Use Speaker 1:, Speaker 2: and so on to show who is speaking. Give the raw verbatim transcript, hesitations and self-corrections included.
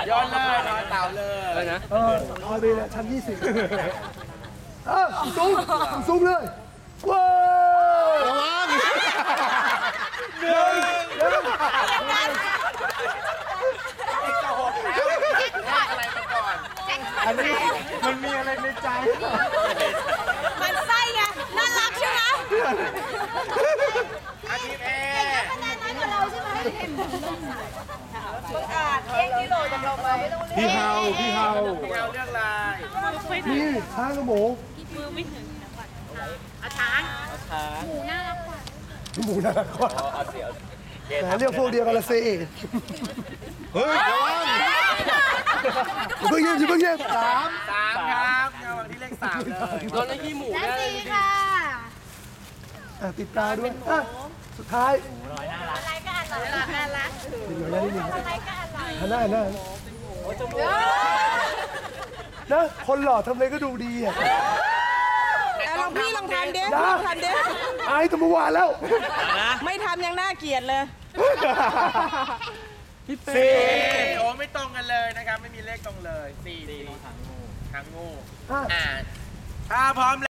Speaker 1: ย้อนเลยนอนเต่าเลยอะไรนะ
Speaker 2: เออเอาไปเลยชั้นยี่สิบเออสูงสูงเลยว้าวระวังหนึ่งหนึ่ง
Speaker 1: อะไรมาก่อน
Speaker 2: อันนี้มันมีอะไรในใจ
Speaker 3: มันไส้ไงน่ารักใช่ไหม
Speaker 1: อาทีมเอ
Speaker 3: คะแนนน้อยกว่าเราใช่ไหมบังอาจเลี้ยงกิโลจากเราไปไม่ต้องเลี้ยง
Speaker 2: พี่เฮาพี่เฮา
Speaker 1: พี่เอาเรื่องลาย
Speaker 2: นี่ช้างกับหมู
Speaker 3: อาช้าง
Speaker 2: หมูน่ารักกว่าแต่เรียกพวกเดียวกันละเซ่เฮ้ยระวังอย่าเพิ่งเยี่ยมอย่าเพิ่งเยี่ยมสาม
Speaker 1: สามครับเงาที่เลขสามเลยโดนเลขขี้หมู
Speaker 3: และสี่ค่ะ
Speaker 2: อ่ะติดตาด้วยอ่ะสุดท้าย
Speaker 3: อะไรก็อร่อยน่ารัก
Speaker 2: นิดหน่อยนะนิดหนึ่ง
Speaker 3: อะไรก็อร่อย
Speaker 2: หันหน้าหันหน้านะคนหล่อทำอะไรก็ดูดีอ่ะ
Speaker 4: ลองพี่ลองทำเด้
Speaker 2: นะ
Speaker 4: ลองทำเด้
Speaker 2: อายตั้งเมื่อวานแล้ว
Speaker 4: ไม่ทำยังน่าเกลียดเลย
Speaker 2: สี่
Speaker 1: โอ้ไม่ตรงกันเลยนะครับไม่มีเลขตรงเลยสี่สี่ทางงู
Speaker 2: ห้า
Speaker 1: อ่าถ้าพร้อม